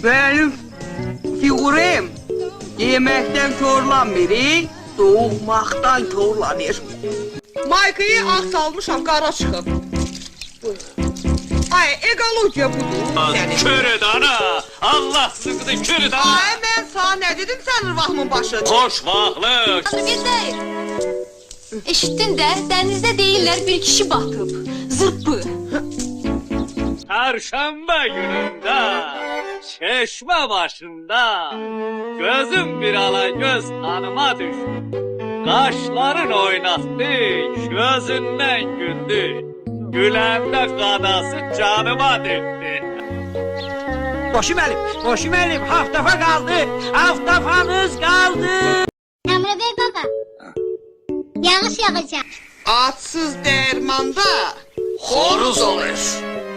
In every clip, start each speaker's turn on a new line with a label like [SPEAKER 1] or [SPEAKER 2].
[SPEAKER 1] Benim figürüm yemekten körlanmır, doğmaktan körlanır. Maykayı ağ salmışam, qara çıxıb. Ay, ekologiya budur senin.
[SPEAKER 2] Körüd ana! Allah sıkıdı körüd ana!
[SPEAKER 1] Ay, mən sana ne dedim senin vahmın başı?
[SPEAKER 2] Hoş vahlık!
[SPEAKER 3] Bir değil. Eşittin de denizde değiller bir kişi batıp. Zırpı.
[SPEAKER 2] Perşembe gününde, çeşme başında, gözüm bir ala göz hanıma düştü. Kaşların oynattı, gözünden güldü. Güləndə qadası canıma döktü.
[SPEAKER 4] Boşum elim, haftafa kaldı, haftafanız kaldı.
[SPEAKER 5] Emre Bey baba. Yağış yağacak.
[SPEAKER 1] Atsız dermanda
[SPEAKER 2] Horuz olur.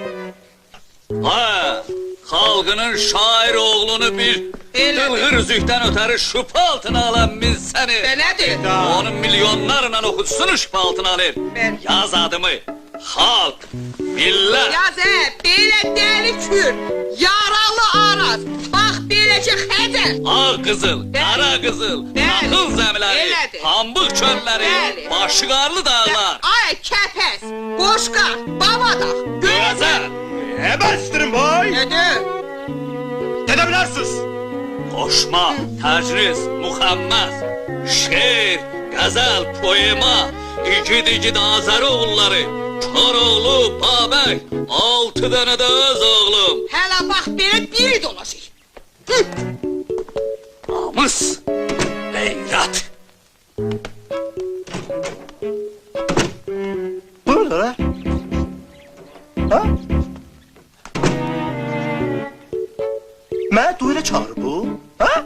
[SPEAKER 2] Ha, halkının şair oğlunu bir dılgır üzükten öteri şüphe altına alan biz seni.
[SPEAKER 1] Belədir.
[SPEAKER 2] Onun milyonlarla okutsun şüphe altına alır.
[SPEAKER 1] Ben-
[SPEAKER 2] Yaz adımı, halk, millet.
[SPEAKER 1] Yaz belə deli kür, yaralı araz. Bax beləcə xəzər.
[SPEAKER 2] Ağ qızıl, qara qızıl,
[SPEAKER 1] Bəli.
[SPEAKER 2] taxıl zəmiləri,
[SPEAKER 1] Elədir.
[SPEAKER 2] pambıq çölləri,
[SPEAKER 1] Bəli.
[SPEAKER 2] başı qarlı dağlar.
[SPEAKER 1] Ay kəpəs, qoşqa, babadaq,
[SPEAKER 2] Gözəl.
[SPEAKER 6] Ebestirin boy!
[SPEAKER 1] Nədir?
[SPEAKER 6] Edebilirsiniz.
[SPEAKER 2] Qoşma, təcris, muxəmməs, şeir, qəzəl, poema, igid Azəri oğulları, Koroğlu, Babək, 6 dənə də öz oğlum.
[SPEAKER 1] Hələ bax belə biri dolaşır.
[SPEAKER 2] Namus, qeyrət.
[SPEAKER 6] Burada lan. Ha? Məni duyla çağırır bu. Ha?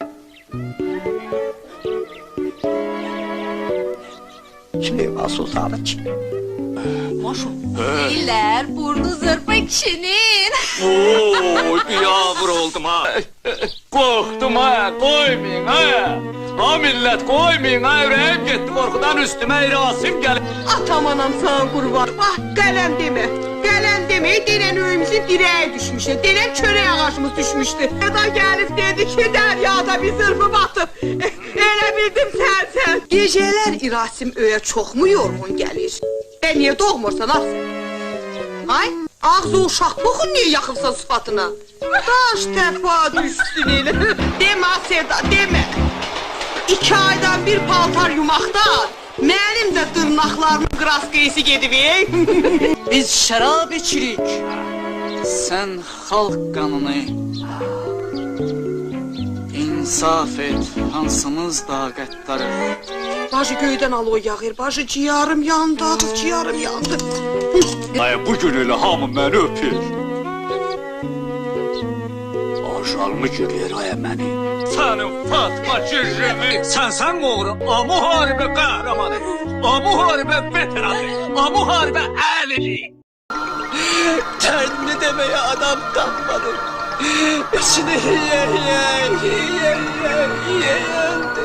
[SPEAKER 6] Süleyman Sultanı kim?
[SPEAKER 3] Değiller burnu zırpı kişinin.
[SPEAKER 2] Oy, bir yavur oldum ha. Korktum ha, koymayın ha. Ha millet koymayın ha, yüreğim gitti korkudan üstüme irasim gelip.
[SPEAKER 1] Atam anam sana qurban. Bax qələm demə. Qələm demə, denən öyümüzün dirəyi düşmüşdü. Denən çörək ağacımız düşmüşdü. Eda gəlib dedi ki, dəryada bir zırfı batıb. Elə bildim sən. Gecələr İrasim öyə çoxmu yorğun gəlir? Niyə doğmursan ah sen? Ay, ağzı uşaq boxun niyə yaxırsan sıfatına? Daş təfa düşsün elə. Demə Sevda, demə. 2 aydan bir paltar yumaqdan mənim də dırnaqlarımın qraskayısı gedib.
[SPEAKER 4] Biz şərab içirik. Sen halk kanını insaf et, hansımız da qəddarıq.
[SPEAKER 1] Bacı göydən aloy yağır, bacı ciyarım yandı, ciyarım yandı.
[SPEAKER 2] Ay bu gün elə hamı məni öpür. Aşalmı görür ay məni. Sənin Fatma Cürrümü, sən oğru, o müharibə qəhrəmanı, o müharibə veteranı, o müharibə əlili.
[SPEAKER 4] Kendi demeye adam tapmadım. İçini yiye.